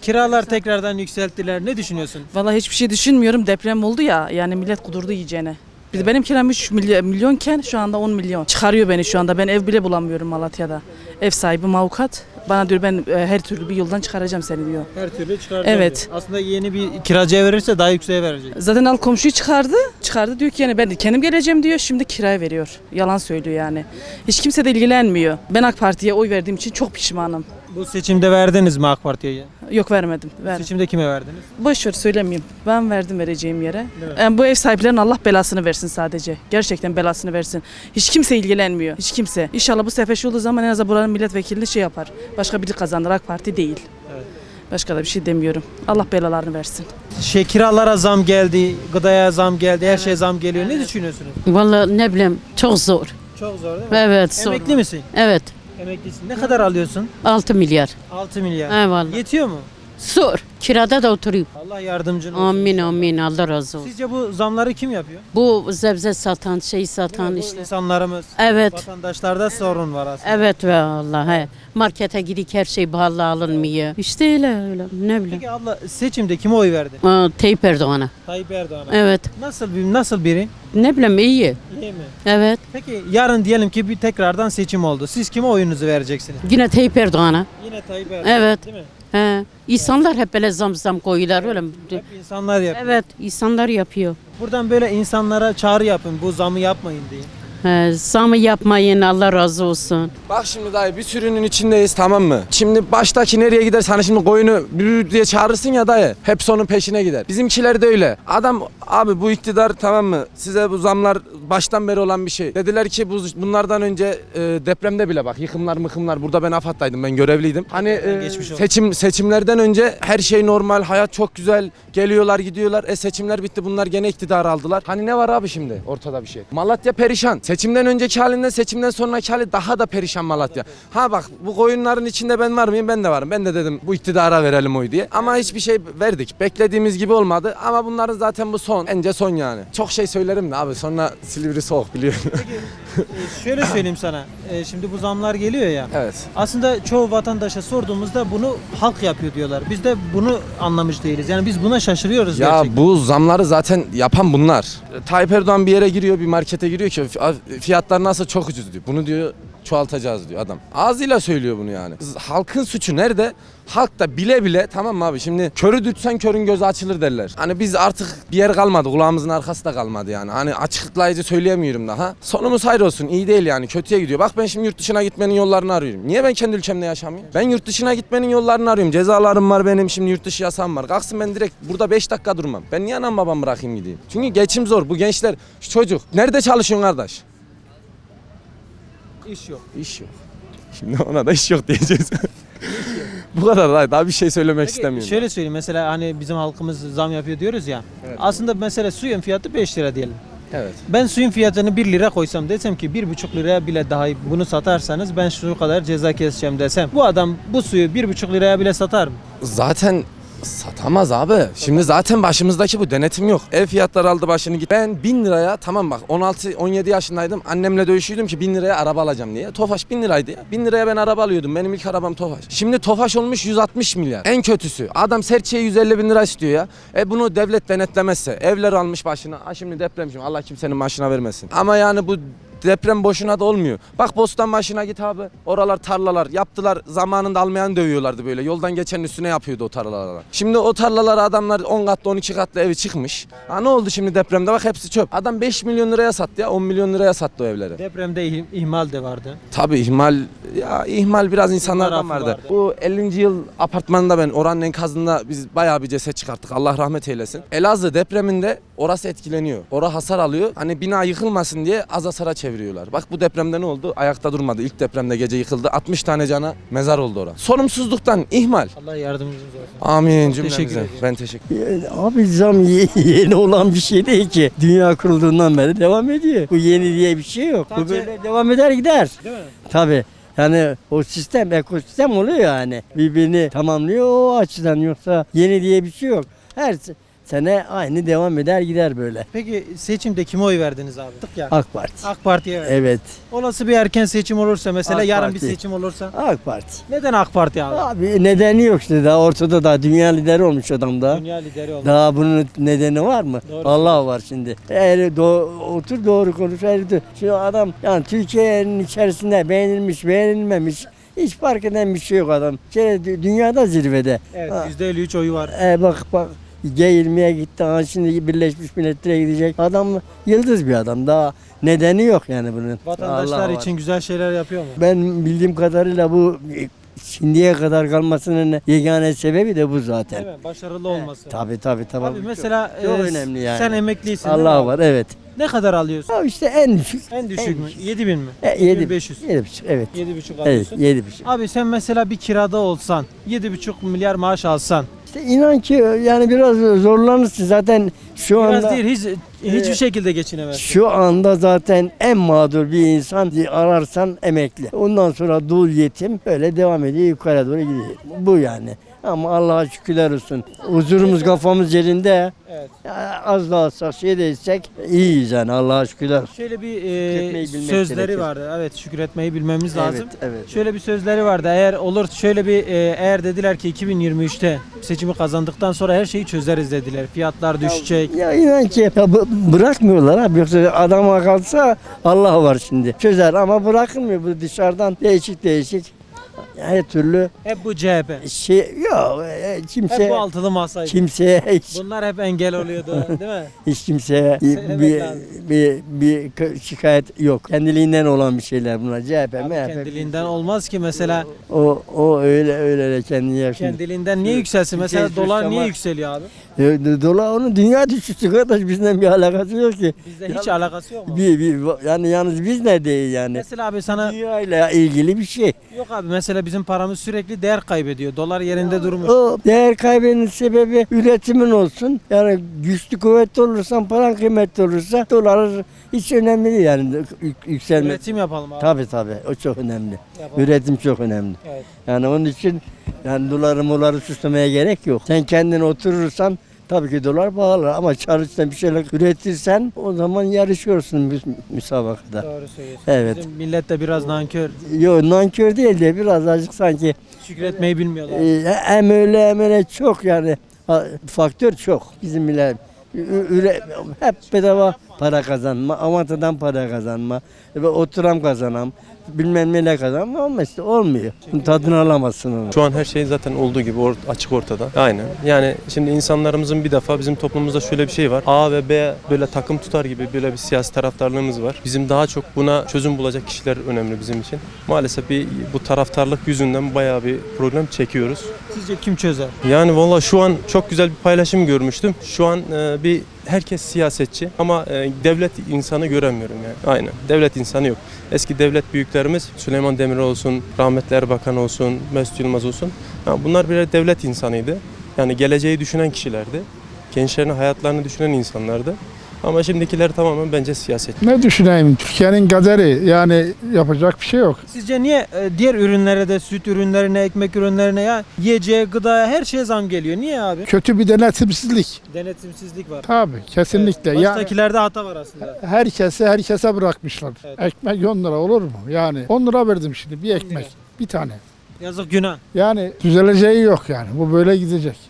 Kiralar tekrardan yükselttiler. Ne düşünüyorsun? Vallahi hiçbir şey düşünmüyorum. Deprem oldu ya. Yani millet kudurdu yiyeceğine. Bir de benim kiram 3 milyonken şu anda 10 milyon. Çıkarıyor beni şu anda. Ben ev bile bulamıyorum Malatya'da. Ev sahibim avukat. Bana diyor ben her türlü bir yoldan çıkaracağım seni diyor. Her türlü çıkaracağım Evet. diyor. Aslında yeni bir kiracıya verirse daha yükseğe verecek. Zaten al komşuyu çıkardı. Çıkardı diyor ki yani ben de kendim geleceğim diyor. Şimdi kiraya veriyor. Yalan söylüyor yani. Hiç kimse de ilgilenmiyor. Ben AK Parti'ye oy verdiğim için çok pişmanım. Bu seçimde verdiniz mi AK Parti'ye? Yok vermedim. Seçimde kime verdiniz? Boş ver söylemeyeyim. Ben verdim vereceğim yere. Değil mi? Yani bu ev sahiplerinin Allah belasını versin sadece. Gerçekten belasını versin. Hiç kimse ilgilenmiyor. Hiç kimse. İnşallah bu sefer şey olduğu zaman en azından buranın milletvekilini şey yapar. Başka biri kazanır. AK Parti değil. Evet. Başka da bir şey demiyorum. Allah belalarını versin. Kiralara zam geldi, gıdaya zam geldi, her şeye zam geliyor. Ne düşünüyorsunuz? Vallahi ne bileyim çok zor. Çok zor değil mi? Evet zor. Emekli misin? Evet Emeklisin. Ne kadar alıyorsun? 6 milyar. 6 milyar. Eyvallah. Yetiyor mu? Zor. Kirada da oturuyorum. Allah yardımcın olsun. Amin amin Allah razı olsun. Sizce Bu zamları kim yapıyor? Bu zebze satan şey Değil satan mi? Bu işte. insanlarımız, Evet. vatandaşlarda sorun var aslında. Evet vallahi. Markete gidik her şey pahalı alınmıyor. İşte öyle ne bileyim. Peki abla seçimde kime oy verdin? Tayyip Erdoğan'a. Tayyip Erdoğan'a. Evet. Nasıl biri? Ne bileyim iyi. İyi mi? Evet. Peki yarın diyelim ki bir tekrardan seçim oldu. Siz kime oyunuzu vereceksiniz? Yine Tayyip Erdoğan'a. Yine Tayyip Erdoğan. Evet. Değil mi? He. İnsanlar hep böyle zam koyuyorlar öyle mi? Hep insanlar yapıyor. Evet, insanlar yapıyor. Buradan böyle insanlara çağrı yapın. Bu zamı yapmayın diye. Zamı yapmayın Allah razı olsun. Bak şimdi dayı bir sürünün içindeyiz tamam mı? Şimdi baştaki nereye gider? Sana şimdi koyunu bülü diye çağırırsın ya dayı. Hep onun peşine gider. Bizimkiler de öyle. Adam abi bu iktidar tamam mı? Size bu zamlar baştan beri olan bir şey. Dediler ki bunlardan önce depremde bile bak yıkımlar burada ben AFAD'daydım ben görevliydim. Hani Geçmiş olsun. seçimlerden önce her şey normal hayat çok güzel geliyorlar gidiyorlar. Seçimler bitti bunlar gene iktidar aldılar. Hani ne var abi şimdi ortada bir şey. Malatya perişan. Seçimden önceki halinden seçimden sonraki hali daha da perişan Malatya. Ha bak bu koyunların içinde ben var mıyım? Ben de varım. Ben de dedim bu iktidara verelim oy diye. Ama hiçbir şey verdik. Beklediğimiz gibi olmadı. Ama bunların zaten bu son. Bence son yani. Çok şey söylerim de abi sonra Silivri soğuk biliyorsun. Şöyle söyleyeyim sana. Şimdi bu zamlar geliyor ya. Evet. Aslında çoğu vatandaşa sorduğumuzda bunu halk yapıyor diyorlar. Biz de bunu anlamış değiliz. Yani biz buna şaşırıyoruz Ya gerçekten. bu zamları zaten yapan bunlar. Tayyip Erdoğan bir yere giriyor, bir markete giriyor ki fiyatlar nasıl çok ucuz diyor. Bunu diyor çoğaltacağız diyor adam. Ağzıyla söylüyor bunu yani. Halkın suçu nerede? Halk da bile bile tamam mı abi şimdi körü dürtsen körün gözü açılır derler. Hani biz artık bir yer kalmadı kulağımızın arkası da kalmadı yani. Hani açıklayıcı söyleyemiyorum daha. Sonumuz hayır olsun iyi değil yani kötüye gidiyor. Bak ben şimdi yurt dışına gitmenin yollarını arıyorum. Niye ben kendi ülkemde yaşamıyorum? Ben yurt dışına gitmenin yollarını arıyorum. Cezalarım var benim şimdi yurt dışı yasam var. Kalksın ben direkt burada 5 dakika durmam. Ben niye anam babam bırakayım gideyim? Çünkü geçim zor bu gençler şu çocuk. Nerede çalışıyorsun kardeş? İş yok. İş yok. Şimdi ona da iş yok diyeceğiz. Bu kadar daha bir şey söylemek Peki, istemiyorum. şöyle söyleyeyim mesela hani bizim halkımız zam yapıyor diyoruz ya. Evet. Aslında mesela suyun fiyatı 5 lira diyelim. Evet. Ben suyun fiyatını 1 lira koysam desem ki 1,5 liraya bile dahi bunu satarsanız ben şu kadar ceza keseceğim desem. Bu adam bu suyu 1,5 liraya bile satar mı? Zaten satamaz abi. Şimdi zaten başımızdaki bu denetim yok. Ev fiyatları aldı başını git. Ben 1000 liraya tamam bak 16-17 yaşındaydım. Annemle dövüşüyordum ki 1000 liraya araba alacağım diye. Tofaş 1000 liraydı ya. 1000 liraya ben araba alıyordum. Benim ilk arabam Tofaş. Şimdi Tofaş olmuş 160 milyar. En kötüsü. Adam serçeye 150 bin lira istiyor ya. Bunu devlet denetlemezse. Evler almış başına. Şimdi deprem şimdi Allah kimsenin başına vermesin. Ama yani bu deprem boşuna da olmuyor. Bak Bostan başına git abi. Oralar tarlalar yaptılar. Zamanında almayan dövüyorlardı böyle. Yoldan geçenin üstüne yapıyordu o tarlalara. Şimdi o tarlalara adamlar 10 katlı 12 katlı evi çıkmış. Ha ne oldu şimdi depremde? Bak hepsi çöp. Adam 5 milyon liraya sattı ya. 10 milyon liraya sattı o evleri. Depremde ihmal de vardı. Tabii ihmal biraz insanlardan vardı. Bu 50. yıl apartmanında ben oranın enkazında biz bayağı bir ceset çıkarttık. Allah rahmet eylesin. Elazığ depreminde orası etkileniyor. Orası hasar alıyor. Hani bina yıkılmasın diye az hasara çeviriyorlar. Bak bu depremde ne oldu? Ayakta durmadı. İlk depremde gece yıkıldı. 60 tane cana mezar oldu orada. Sorumsuzluktan ihmal. Allah yardımcınız olsun. Amin Teşekkür cümlemize. ederim. Ben teşekkür ederim. Abi zam yeni olan bir şey değil ki. Dünya kurulduğundan beri devam ediyor. Bu yeni diye bir şey yok. Bu Sadece- böyle devam eder gider. Değil mi? Tabii. Yani o sistem, ekosistem oluyor yani. Birbirini tamamlıyor o açıdan yoksa yeni diye bir şey yok. Her sene aynı devam eder gider böyle. Peki seçimde kime oy verdiniz abi? Tık ya. AK Parti. AK Parti'ye verdiniz. Evet. Olası bir erken seçim olursa mesela AK yarın bir Parti. seçim olursa AK Parti. neden AK Parti abi? Abi nedeni yok işte, daha ortada, daha dünya lideri olmuş adam da. Dünya lideri olmak. Daha bunun nedeni var mı? Doğru Allah var şimdi. Eğer otur doğru konuş. Şu adam yani Türkiye'nin içerisinde beğenilmemiş. Hiç fark eden bir şey yok adam. Dünyada zirvede. Evet, Ha. %53 oyu var. Bak G20'ye gitti. Ha, şimdi Birleşmiş Milletler'e gidecek. Adam yıldız bir adam. Daha nedeni yok yani bunun. Vatandaşlar Allah var. için güzel şeyler yapıyor mu? Ben bildiğim kadarıyla bu şimdiye kadar kalmasının yegane sebebi de bu zaten. Değil mi? Başarılı olması. Tabii. Abi mesela çok önemli yani. sen emeklisin. değil mi Allah abi? var, evet. Ne kadar alıyorsun? Ya işte en düşük. En düşük mü? 7.000 mi? 7.500. 7.500. 7.5, evet. 7.5 Evet, alıyorsun. 7.5. Abi sen mesela bir kirada olsan 7,5 milyar maaş alsan İşte inan ki yani biraz zorlanırsın zaten şu biraz anda. değil hiçbir şekilde geçinemezsin. Şu anda zaten en mağdur bir insan ararsan emekli. Ondan sonra dul yetim böyle devam ediyor, yukarı doğru gidiyor. Bu yani. Ama Allah'a şükürler olsun. Huzurumuz, kafamız yerinde. Evet. Ya az da olsa şey değilsek iyiyiz yani, Allah'a şükürler olsun. Şöyle bir Şükretmeyi bilmek sözleri gerekir. vardı. Evet, şükretmeyi bilmemiz lazım. Evet. Şöyle bir sözleri vardı. Eğer olur şöyle bir eğer dediler ki 2023'te seçimi kazandıktan sonra her şeyi çözeriz dediler. Fiyatlar düşecek. Ya inan ki bırakmıyorlar abi, yoksa adama kalsa Allah var şimdi. Çözer ama bırakılmıyor, bu dışarıdan değişik her türlü Hep bu CHP. yok Hep kimse bu altılı masaydı. kimseye Bunlar hep engel oluyordu, değil mi? hiç kimseye Sevmek lazım. bir şikayet yok. Kendiliğinden olan bir şeyler bunlar. CHP, Abi MHP. kendiliğinden olmaz ki mesela O öyle kendini yapıyor. kendiliğinden niye yükselsin? Mesela Türkiye dolar niye suçlamak- yükseliyor abi? Dolar onun dünya düşüşü kardeş, bizden bir alakası yok ki. Bizde hiç alakası yok mu? Yani yalnız biz ne değil yani. Mesela abi sana Dünya ile ilgili bir şey. yok abi mesela bizim paramız sürekli değer kaybediyor. Dolar yerinde durmuş. O değer kaybının sebebi üretimin olsun. Yani güçlü kuvvetli olursan, paran kıymetli olursa dolar hiç önemli değil yani yükselme. Üretim yapalım abi. Tabii o çok önemli. Yapalım. Üretim çok önemli. Evet. Yani onun için yani doları süslemeye gerek yok. Sen kendin oturursan tabii ki dolar pahalı ama çalışsan bir şeyler üretirsen o zaman yarışıyorsun müsabakada. Doğru söylüyorsun. Evet. Bizim millet de biraz nankör. Yok, nankör değil de biraz azıcık sanki Şükretmeyi bilmiyorlar. hem öyle çok yani faktör çok bizim millet. Hep bedava para kazanma, avantadan para kazanma, ve oturam kazanam, bilmem neyle kazanma ama işte olmuyor. Tadını alamazsın onu. Şu an her şey zaten olduğu gibi açık ortada. Aynen. Yani şimdi insanlarımızın bir defa bizim toplumumuzda şöyle bir şey var. A ve B böyle takım tutar gibi böyle bir siyasi taraftarlığımız var. Bizim daha çok buna çözüm bulacak kişiler önemli bizim için. Maalesef bu taraftarlık yüzünden bayağı bir problem çekiyoruz. Sizce kim çözer? Yani valla şu an çok güzel bir paylaşım görmüştüm. Şu an herkes siyasetçi ama devlet insanı göremiyorum yani. Aynen. Devlet insanı yok. Eski devlet büyüklerimiz Süleyman Demirel olsun, rahmetli Erbakan olsun, Mesut Yılmaz olsun. Bunlar birer devlet insanıydı. Yani geleceği düşünen kişilerdi. Gençlerin hayatlarını düşünen insanlardı. Ama şimdikiler tamamen bence siyaset. Ne düşüneyim? Türkiye'nin kaderi, yani yapacak bir şey yok. Sizce niye diğer ürünlere de süt ürünlerine, ekmek ürünlerine ya yiyeceğe, gıdaya her şeye zam geliyor? Niye abi? Kötü bir denetimsizlik. Denetimsizlik var. Tabii, kesinlikle. Evet, Yani baştakilerde hata var aslında. herkese bırakmışlar. Evet. Ekmek 10 lira olur mu? Yani 10 lira verdim şimdi bir ekmek, bir tane. Yazık günah. Yani düzeleceği yok yani. Bu böyle gidecek.